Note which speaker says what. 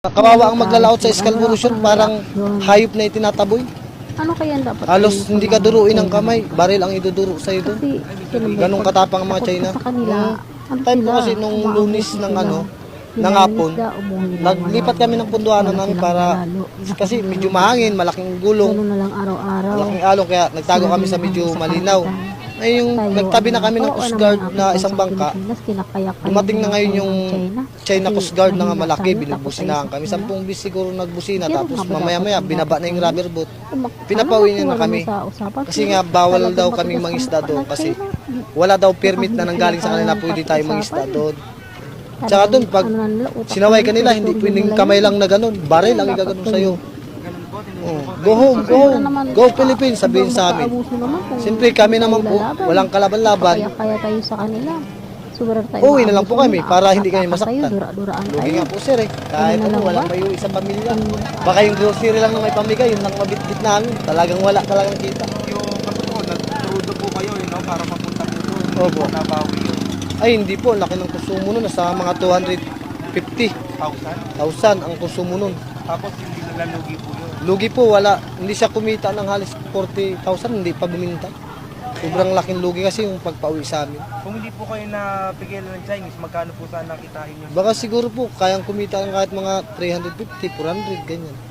Speaker 1: Kawawa ang maglalaot sa eskalburusyon, parang hayop na itinataboy.
Speaker 2: Ano kaya dapat?
Speaker 1: Halos hindi ka duruin ng kamay, baril ang iduduro sa iyo doon.
Speaker 2: Kasi
Speaker 1: Ganong katapang ang mga China.
Speaker 2: sa kanila.
Speaker 1: Time ko kasi nung lunis ng ng hapon, naglipat kami ng punduanan namin para, kasi medyo mahangin, malaking gulong,
Speaker 2: Ganun na lang araw-araw.
Speaker 1: malaking alon, kaya nagtago kami sa medyo malinaw. Ngayon, nagtabi na kami ng Coast Guard na isang bangka. Dumating na ngayon yung China Coast Guard na nga malaki, binubusinahan kami. 10 bis siguro nagbusina, tapos mamaya-maya binaba na yung rubber boat. Pinapauwi niya na kami. Kasi nga bawal daw kaming mangisda doon kasi wala daw permit na nanggaling sa kanila pwede tayo mangisda doon. Tsaka doon, pag sinaway kanila, hindi pwedeng kamay lang na ganun. Baril ang igaganon sa'yo. Oh, go home, go home. Go Philippines, sabihin sa amin. Siyempre kami naman po, walang kalaban-laban.
Speaker 2: Kaya tayo sa kanila. Sobra tayo.
Speaker 1: Uwi na lang po kami para hindi kami masaktan.
Speaker 2: Dura-duraan
Speaker 1: Lugi
Speaker 2: tayo.
Speaker 1: nga po sir eh. Kahit po walang maiuwi sa pamilya. Baka yung grocery lang na may pamigay, yun lang mabitbit namin. Talagang wala talagang kita.
Speaker 3: Yung katotoon, nagtrudo po kayo, no, para mapunta po doon.
Speaker 1: Opo.
Speaker 3: Nabawi yun.
Speaker 1: Ay hindi po, laki ng konsumo nun. Nasa mga 250,000
Speaker 3: 1,000.
Speaker 1: ang konsumo nun.
Speaker 3: Tapos hindi nila lugi po yun.
Speaker 1: Lugi po, wala. Hindi siya kumita ng halos 40,000, hindi pa buminta. Sobrang laking lugi kasi yung pagpauwi sa amin.
Speaker 3: Kung hindi po kayo napigilan ng Chinese, magkano po sana kitain nyo?
Speaker 1: Baka siguro po, kayang kumita ng kahit mga 350, 400, ganyan.